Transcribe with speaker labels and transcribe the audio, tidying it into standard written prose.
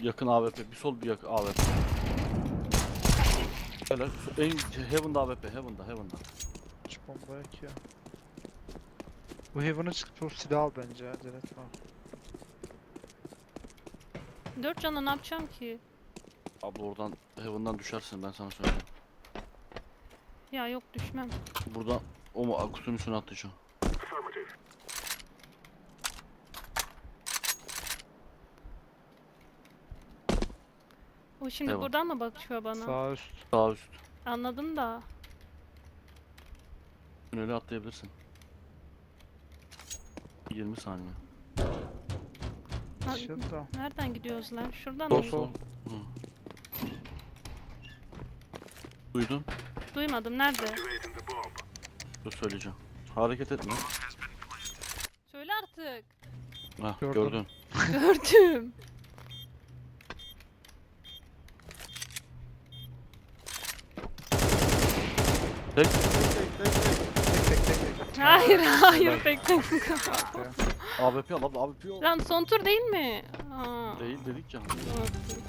Speaker 1: Yakın AWP. Bir sol bir yakın AWP. Helal. En Heaven'da AWP. Heaven'da.
Speaker 2: Hiç bomba yok ya. Bu Heaven'a çıkıp o silah al bence ya. Acele etme.
Speaker 3: 4 canla ne yapacağım ki?
Speaker 1: Abi oradan Heaven'dan düşersin ben sana söyleyeyim.
Speaker 3: Ya yok düşmem.
Speaker 1: Buradan o mu kutunun üstüne atlayacağım.
Speaker 3: O şimdi
Speaker 1: Devam.
Speaker 3: buradan mı bakıyor bana?
Speaker 2: Sağ üst.
Speaker 1: Sağ üst.
Speaker 3: Anladım da.
Speaker 1: Tüneli atlayabilirsin. 20 saniye.
Speaker 3: Ha,
Speaker 2: Shit da.
Speaker 3: nereden gidiyoruz lan? Şuradan
Speaker 1: Sol
Speaker 3: mı?
Speaker 1: sol. Hı. Duydun?
Speaker 3: Duymadım. Nerede?
Speaker 1: Dur söyleyeceğim. Hareket etme.
Speaker 3: Söyle artık.
Speaker 1: Hah
Speaker 2: Gördüm.
Speaker 1: gördün.
Speaker 3: Gördüm.
Speaker 1: Tek.
Speaker 3: Hayır hayır bekle.
Speaker 1: AWP al abla AWP al.
Speaker 3: Lan son tur değil mi? Aa,
Speaker 1: Değil dedik ya.
Speaker 3: unuttum.